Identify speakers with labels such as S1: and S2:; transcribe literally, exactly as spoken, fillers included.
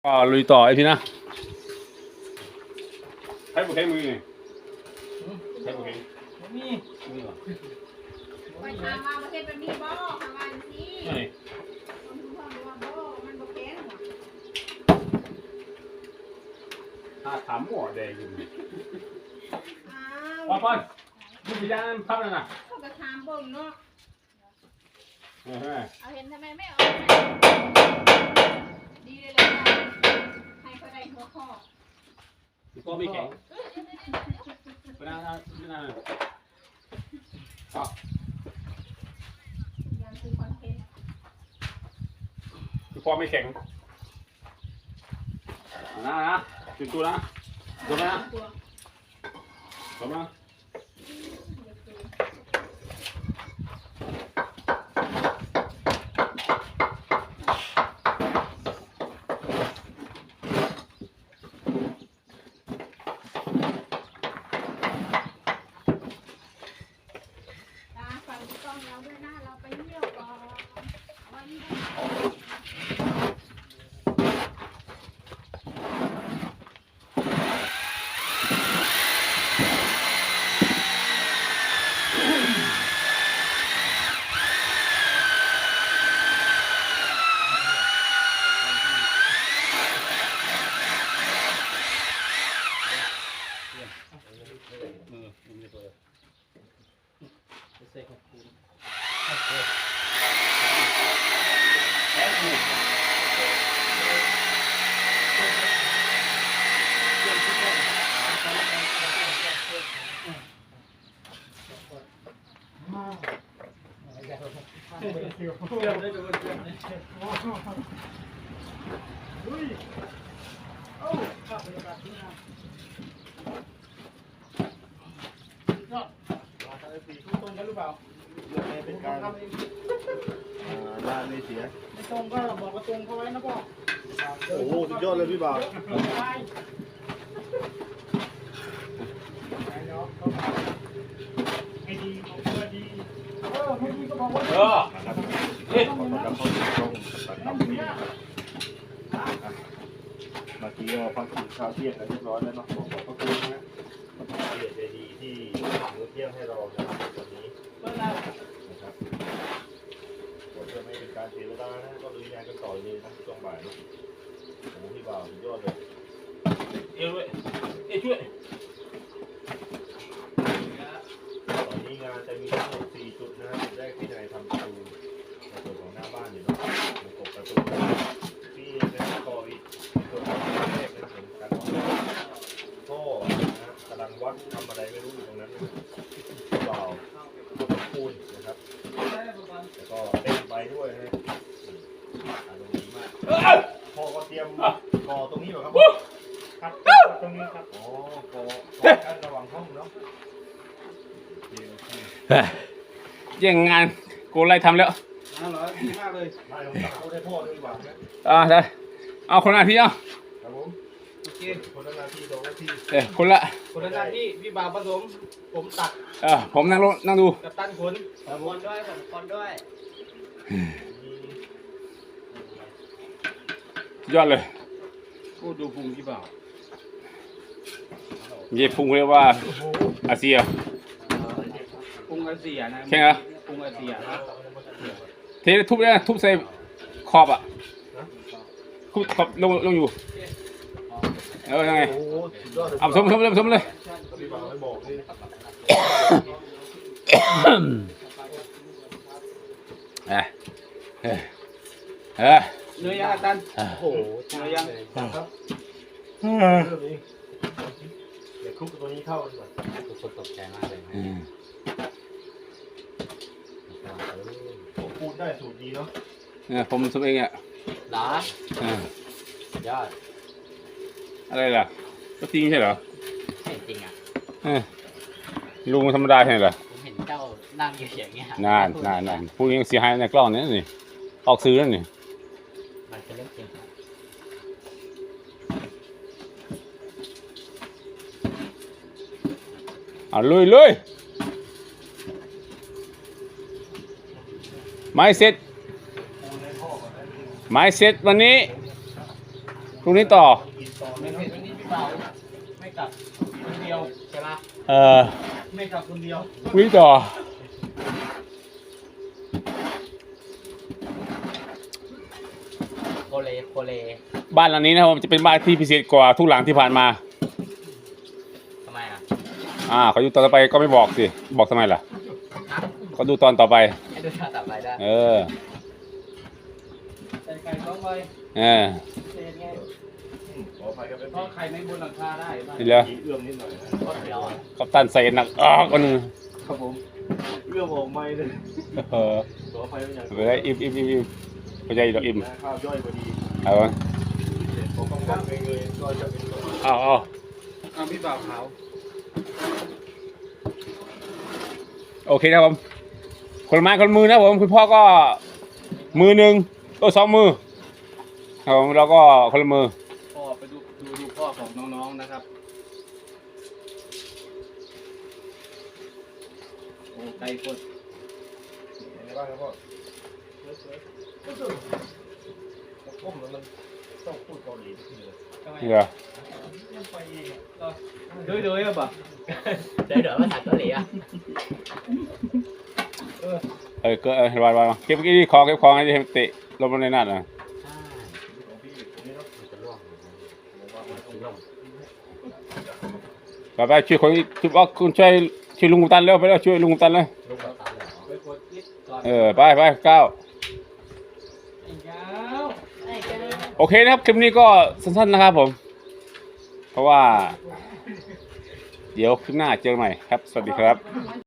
S1: ก็ลุยต่อไอ้พี่นะใช้บุกใช้มือนี่ใช้บุกใช้
S2: มี
S1: มือเหรอ
S3: ไปถามมาประเทศเป็นมีบ่อทำงานสิคนทุกคนว่าบ่มันบ่แข็งหรอ
S1: ถ้าถามหม้อแดงอยู่
S3: อ้าว
S1: ป้อนดูพยานพับแล้วนะ
S3: เขาก็ถามเบิ่งเนาะเอาเห็นทำไมไม่เอาดีเลยเลยให้เขาได้หัวข้อ
S1: ก็ไม่แข็งไปนั่งนั่งนั่งอ๋อ
S3: ยังคือคอนเทนต์
S1: คือพอไม่แข็งนะนะจุดตัวนะตัวนะตัวนะ
S2: เป็นการทำเองด้านไม่เสียไม่ตรงก็บอกว่าตรงเขาไว้นะพ่อโอ้โหสุดยอดเลยพี่บ่าวให้ดีของเพื่อดีเออให้ดีก็บอกว่าเออเฮ้ยขอต้อนรับเข้าสู่ช่องตัดต่อนี้เมื่อกี้ก็พักกินข้าวเที่ยงกันเรียบร้อยแล้วเนาะขอบพระคุณนะเกียรติดีที่มื้อเที่ยงให้เรานะครับวันนี้นะครับเพื่อไม่เป็นการเสียเวลานะก็ลุยงานกันต่อเลยนะช่วงบ่ายนะโอ้โหพี่บ่าวสุดยอดเลย
S1: เอ้ยเอ้ยช่วย
S2: ตอนนี้งานจะมีทั้งหมดสี่จุดนะจุดแรกที่นายทำประตูในส่วนของหน้าบ้านอยู่เนาะประกบประตูที่นะต่ออีกส่วนของแรกในส่วนการท่อนะกำลังวัดทำอะไรไม่รู้อยู่ตรงนั้นเปล่าปูนนะครับแล้วก็เต้นไปด้วยนะอารมณ์ดีมากพ่อก็เตรียมก่อตรงนี้เหรอครับครับตรงนี้ครับอ๋อก่อกันระหว่างห้องเนาะ
S1: แย่งงานกูไล่ทำแล้ว
S2: น่ารักดีมากเลยไม่ต้องตัดเขาได้พ่อด้วยหวังนะ
S1: อ่าได้เอาคนละที่เอา
S2: ครับผมโอเคคนละนาทีสองนาที
S1: เออคนละ
S2: คนละนาทีพี่บ่าวผสมผมตัด
S1: เออผมนั่งรถนั่งดู
S2: กับตันขนคนด้วยผมคนด้วย
S1: ยอดเลย
S2: กูดูพุงพี่บ่าว
S1: เย่พุงเรียกว่าอาเซีย
S2: พุงอาเซียนะ
S1: ใช่ไหม
S2: พุงอาเซียนะ
S1: เททุบเลยทุบใส่ขอบอ่ะทุบขอบลงลงอยู่เออยังไงเอาสมสมเลยสมเลยเออเออเออ
S2: เนื้อย่างตันโอ้โหเนื้อย่างครับเดี๋ยวคลุกตัวนี้เข้ากันก่อนทุกคนตกใจมากเลยผมพูดได้สูตรดีเนาะ
S1: เนี่ยผมทำเองอ่ะ
S2: หรอยอด
S1: อะไรล่ะก็จริงใช่เหรอ
S2: จริงอ่ะ
S1: ลุงธรรมดาใช่เหรอ
S2: ผมเห็นเจ้านั่งอยู่อย่างเงี้ย
S1: นานนานนานพูดยังเสียหายในกล้องนี้นี่ออกซื้อแล้วนี่
S2: มันเป็นเรื่องจริง
S1: เอาลุยลุยไม้เสร็จไม้เสร็จวันนี้พรุ่งนี้ต่อ
S2: กินต่อ
S4: ไม่
S2: ไม่
S4: เห็
S2: เนาะ
S4: นวันนี้พี่เปล่าไม่กลับคนเดียวใช่ปะ
S1: เออ
S4: ไม่กลับคนเดียว
S1: พรุ่งนี้ต่อ
S4: โคเลโคเล
S1: บ้านหลังนี้นะครับผมจะเป็นบ้านที่พิเศษกว่าทุกหลังที่ผ่านมา
S4: ทำไมอ่ะ
S1: อ่าเขาดูตอนต่อไปก็ไม่บอกสิบอกทำไมล่ะเขาดูตอนต่อไป
S4: ให้ดูท่าตับไปได้
S1: เออ
S4: ใส่ไก่ต้องไป
S1: เออ
S4: เศษไง
S2: อืมขออภัยครับเป็น
S4: เพราะไข่ไม่บนหลังคาได้บ้าง
S1: นี่แล้ว
S2: เอื้อมนิดหน่อยนะ
S4: ก็เดียวอ่ะ
S1: กัปตันใส่หนักอ้อกอันนึง
S2: ครับผมเอื้อมออกไม่เลย
S1: เออ
S2: ขออภัยเป็นอย่าง
S1: ไปได้อิ่มอิ่มอิ่มอิ่มไปใจดอกอิ่ม
S2: ข้าวย่อยพอดี
S1: เอาวะ
S2: ผมต้องการเงยๆก็จะเป็นตัว
S1: เอาเอา
S4: เอาพี่บ่าวขาว
S1: โอเคนะครับผมคนละไม้คนละมือนะครับผมคุณพ่อก็มือหนึ่งโอ้สองมือครับผมเราก็คนละมือ
S4: พ่อไปดูดูดูพ่อของน้องๆนะครับโอ้ไก่กด
S2: ยังไงบ้างครับพ่อก้มแล้วมันต้องพูดเกาหลีนิดนึง
S4: ทำไม
S1: นี่เหรอ
S4: ยังไปอีกอ่ะก็เดือยเดือยอ่ะป่ะ
S5: เดี๋ยวเดี๋ยวภาษาเกาหลีอ่ะ
S1: เออเก็เออวางวางเก็บเก็บของเก็บของให้เตะลงมาในนั่นนะ
S2: ของพี่นี่เนาะ
S5: จะล่วง
S2: ผมว่ามันต้องล่อง
S1: ไปไปช่วยคนช่วยบอกคุณช่วยช่วยลุงกุตันเร็วไปแล้วช่วยลุงกุตันเลย
S5: ลูกกระตาเลยเหรอ
S4: ไปกดนิดก่อน
S1: เออไปไปก้าว
S4: ไอ้ยาวไอ้แก
S1: โอเคนะครับคลิปนี้ก็สั้นๆนะครับผม เพราะว่า เดี๋ยวคลิปหน้าเจอกันใหม่ครับ สวัสดีครับ